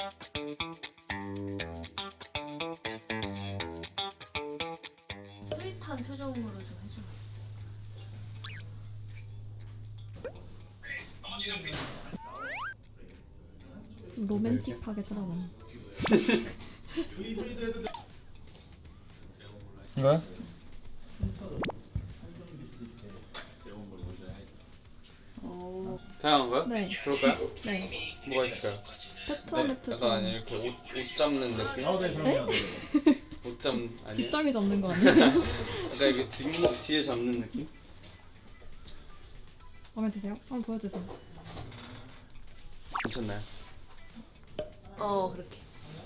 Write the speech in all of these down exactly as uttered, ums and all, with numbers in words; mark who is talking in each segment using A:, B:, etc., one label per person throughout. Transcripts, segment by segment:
A: 스윗한 표정으로 좀 해줘.
B: 로맨틱하게 쳐다보네.
C: 이거요?
B: 어,
C: 다양한 거요?
B: 네.
C: 그럴까요?
B: 네.
C: 뭐가 있을까요?
B: 패턴
C: 약간 이렇게 옷, 옷 잡는 느낌?
B: 네?
C: 옷 잡 아니에요?
B: 뒷덜미 잡는 거 아니에요?
C: 약간 이게 뒷목 뒤에 잡는 느낌?
B: 마음에 드세요? 한번 보여주세요.
C: 괜찮나요?
A: 어 그렇게.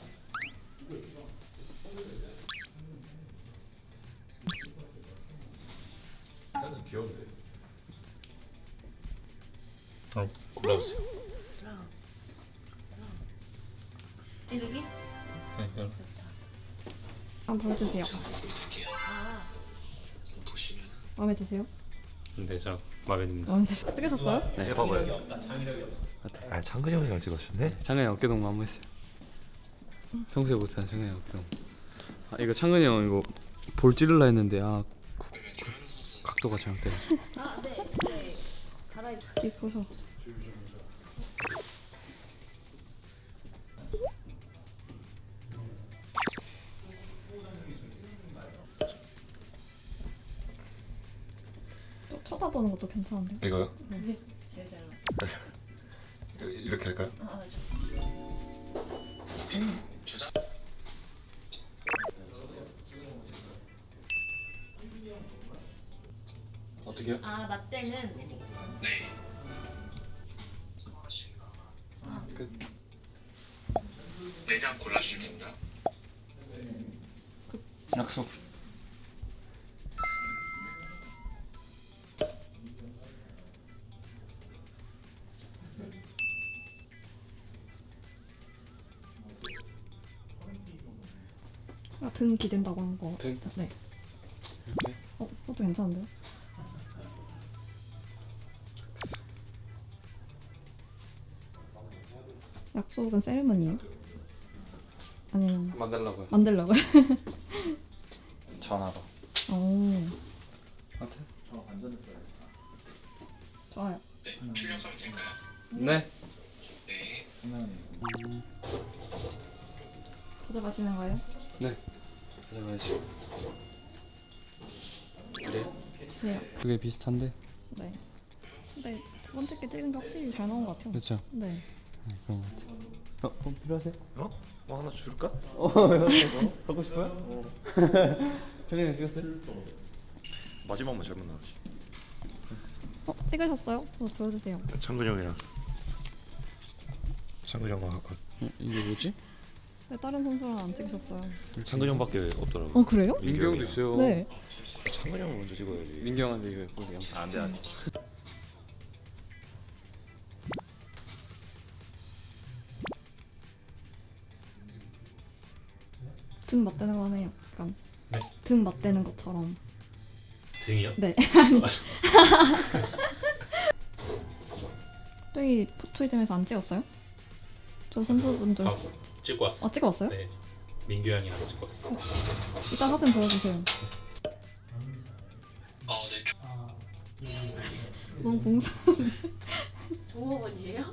D: 귀여운데.
C: 어, 골라보세요.
A: 찌르기?
C: 네, 이거.
B: 한번 보여주세요.
A: 아
B: 마음에 드세요?
C: 네, 저 마음에 듭니다.
B: 마음에 드세요? 찍으셨어요?
C: 네.
D: 봐봐요. 아 창근이 형이랑 찍었었네.
C: 창근이 어깨동무 한번 했어요. 평소에 못하는 창근이 어깨동무. 아 이거 창근이 형 이거 볼 찌르려 했는데 아 구- 각도가 잘못돼가지고.
A: 아, 네. 네. 갈아입.
B: 이뻐서. 또 쳐다보는 것도 괜찮은데?
D: 이거요?
A: 네. 제일 잘 나왔어.
D: 이렇게 할까요?
A: 아, 저.
C: 어떻게요?
A: 아 맞대는.
C: 끝.
E: 내장 골라주시면 됩니다.
C: 약속.
B: 아, 등 기댄다고 한 거.
C: 등?
B: 네.
C: 이렇게.
B: 어, 그것도 괜찮은데요? 약속은 세리머니예요? 아니면
C: 만들라고요.
B: 만들려고요?
C: 전화로.
B: 오,
C: 하트?
B: 좋아요.
E: 네, 출력하면 될까요?
C: 네.
E: 네.
B: 가져가시는 거예요?
C: 네. 가져가야죠. 그래요?
B: 주세요.
C: 그게 비슷한데.
B: 네. 근데 두 번째 게 찍은 게 확실히 잘 나온 것 같아요.
C: 그렇죠.
B: 네.
C: 네, 그런 것 같아요. 어, 어 필요하세요?
D: 어? 뭐 하나 줄까?
C: 어, 어? 갖고 싶어요? 어. 정현이 찍었어요?
D: 마지막만 잘못 나왔지.
B: 어, 찍으셨어요? 어, 보여주세요.
D: 창근이 형이랑 창근이 형과 아까
C: 어, 이게 뭐지?
B: 왜 다른 선수랑 안 찍으셨어요?
D: 창근이 형밖에 없더라고.
B: 어, 그래요?
C: 민규 형도 있어요.
B: 네.
D: 창근이 형을 먼저 찍어야지.
C: 민규 형한테 이거 보게 영상.
D: 안돼 안돼.
B: 등 맞대는 거 하네요. 약간 등 맞대는 것처럼.
F: 등이요?
B: 네. 아니. 저기 포토이즘에서 안 찍었어요? 저 선수분들.
F: 아, 찍고 왔어.
B: 아, 찍어 왔어요?
F: 네, 민규 형이랑 찍고 왔어.
B: 이따 사진 보여주세요.
E: 어, 네.
B: 너무 공사.
A: 종업원이에요?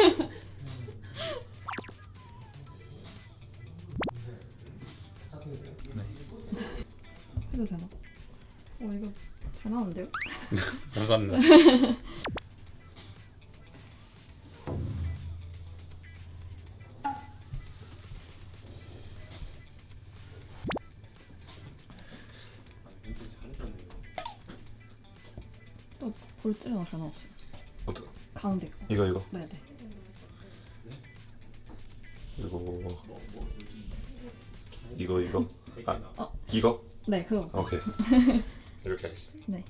B: 해도 되나? 어, 이거 잘 나오는데요?
C: 감사합니다.
B: 또 볼줄은 잘 나왔어요.
D: 어떡?
B: 가운데 거.
D: 이거 이거
B: 네네.
D: 이거 이거 이거 아
B: 어.
D: 이거
B: 네, 그거.
D: 아, 오케이 이렇게 하겠습니다.
B: 네.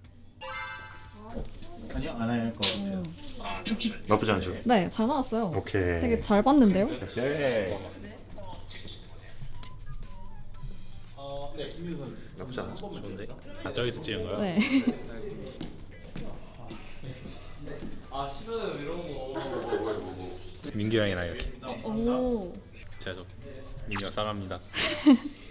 G: 아니요 안 할 것 같아요.
B: 음.
E: 아, 잠시만요.
D: 나쁘지 않죠?
B: 네, 잘 나왔어요.
D: 오케이.
B: 되게 잘 봤는데요?
D: 오케이.
G: 어, 네, 김민선
D: 나쁘지 않아. 좋은데?
F: 아, 저기서 찍은 거요?
B: 네.
C: 아 싫어요 이런 거.
F: 민규 형이랑 이렇게
A: 오.
F: 제가 좀 민규 형 사랑합니다.